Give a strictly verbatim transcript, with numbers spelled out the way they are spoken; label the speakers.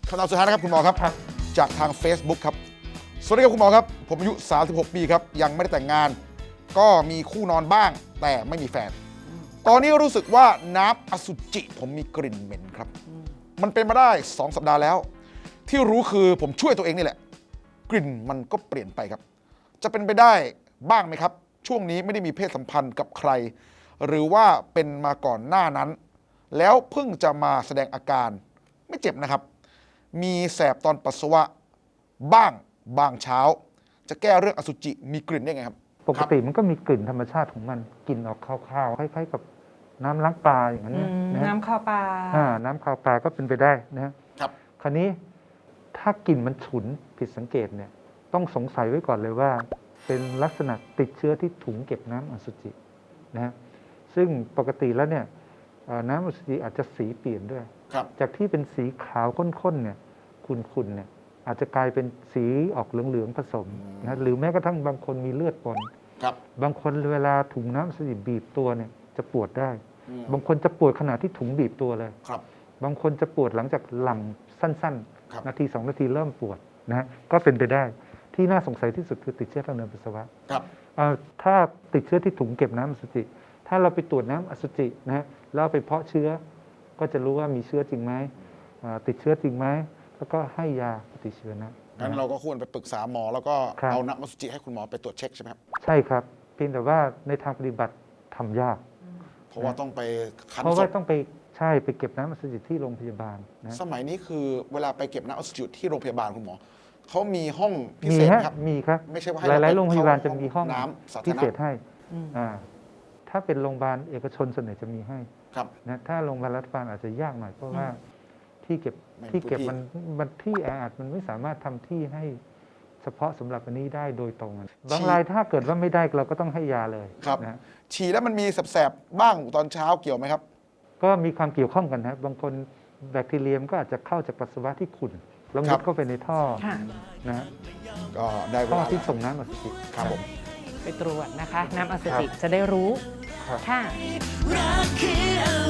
Speaker 1: คำถามสุดท้ายนะครับคุณหมอครับจากทาง Facebook ครับสวัสดีครับคุณหมอครับผมอายุสามสิบหกปีครับยังไม่ได้แต่งงานก็มีคู่นอนบ้างแต่ไม่มีแฟนตอนนี้รู้สึกว่าน้ำอสุจิผมมีกลิ่นเหม็นครับมันเป็นมาได้สองสัปดาห์แล้วที่รู้คือผมช่วยตัวเองนี่แหละกลิ่นมันก็เปลี่ยนไปครับจะเป็นไปได้บ้างไหมครับช่วงนี้ไม่ได้มีเพศสัมพันธ์กับใครหรือว่าเป็นมาก่อนหน้านั้นแล้วเพิ่งจะมาแสดงอาการไม่เจ็บนะครับมีแสบตอนปัสสาวะบ้างบางเช้าจะแก้เรื่องอสุจิมีกลิ่นได้ไงครับ
Speaker 2: ปกติมันก็มีกลิ่นธรรมชาติของมันกลิ่นออกคาวๆคล้ายๆกับน้ำล้างปลาอย่างนั้นนะ
Speaker 3: น้ำข้าวปลา
Speaker 2: อ่าน้ำคาวปลาก็เป็นไปได้นะครับ คราวนี้ถ้ากลิ่นมันฉุนผิดสังเกตเนี่ยต้องสงสัยไว้ก่อนเลยว่า เป็นลักษณะติดเชื้อที่ถุงเก็บน้ำอสุจินะฮะซึ่งปกติแล้วเนี่ยน้ำอสุจิอาจจะสีเปลี่ยนด้วยจากที่เป็นสีขาวข้นๆเนี่ยขุ่นๆเนี่ยอาจจะกลายเป็นสีออกเหลืองๆผสมนะหรือแม้กระทั่งบางคนมีเลือดปนบางคนเวลาถุงน้ำอสุจิบีบตัวเนี่ยจะปวดได้บางคนจะปวดขณะที่ถุงบีบตัวเลยบางคนจะปวดหลังจากหลังสั้นๆนาทีสองนาทีเริ่มปวดนะฮะก็เป็นไปได้ที่น่าสงสัยที่สุดคือติดเชื้อทางเดินปัสสาวะถ้าติดเชื้อที่ถุงเก็บน้ำอสุจิถ้าเราไปตรวจน้ำอสุจินะฮะแล้วไปเพาะเชื้อก็จะรู้ว่ามีเชื้อจริงไหมติดเชื้อจริงไหมแล้วก็ให้ยาปฏิชีวนะ
Speaker 1: งั้นเราก็ควรไปปรึกษาหมอแล้วก็เอาน้ำอสุจิให้คุณหมอไปตรวจเช็คใช่ไหมครับ
Speaker 2: ใช่ครับเพียงแต่ว่าในทางปฏิบัติทำยาก
Speaker 1: เพราะว่าต้องไปคั้นศพ
Speaker 2: เพราะว่าต้องไปใช่ไปเก็บน้ำอสุจิที่โรงพยาบาลนะ
Speaker 1: สมัยนี้คือเวลาไปเก็บน้ำอสุจิที่โรงพยาบาลคุณหมอเขามีห้องพิเศษครับ
Speaker 2: มีครับ
Speaker 1: ไม่ใช่ว่า
Speaker 2: หลายๆโรงพยาบาลจะมีห้อง
Speaker 1: น้ำ
Speaker 2: พิเศษให้ถ้าเป็นโรงพยาบาลเอกชนส่วนใหญ่จะมีให้นะถ้าโรงพยาบาลรัฐบาลอาจจะยากหน่อยเพราะว่าที่เก็บที่เก็บมันมันที่แออัดมันไม่สามารถทำที่ให้เฉพาะสำหรับอันนี้ได้โดยตรงบางรายถ้าเกิดว่าไม่ได้เราก็ต้องให้ยาเลย
Speaker 1: ครับนะฉี่แล้วมันมีแสบๆบ้างตอนเช้าเกี่ยวไหมครับ
Speaker 2: ก็มีความเกี่ยวข้องกันนะบางคนแบคทีเรียมก็อาจจะเข้าจากปัสสาวะที่ขุ่นแล้วมุดเข้าไปในท่อนะ
Speaker 1: ก็ได้เว
Speaker 2: ลา
Speaker 1: ที่
Speaker 2: ส่งน้ำอสุจิ
Speaker 1: ครับผม
Speaker 3: ไปตรวจนะคะน้ำอสุจิจะได้รู้ค่ะ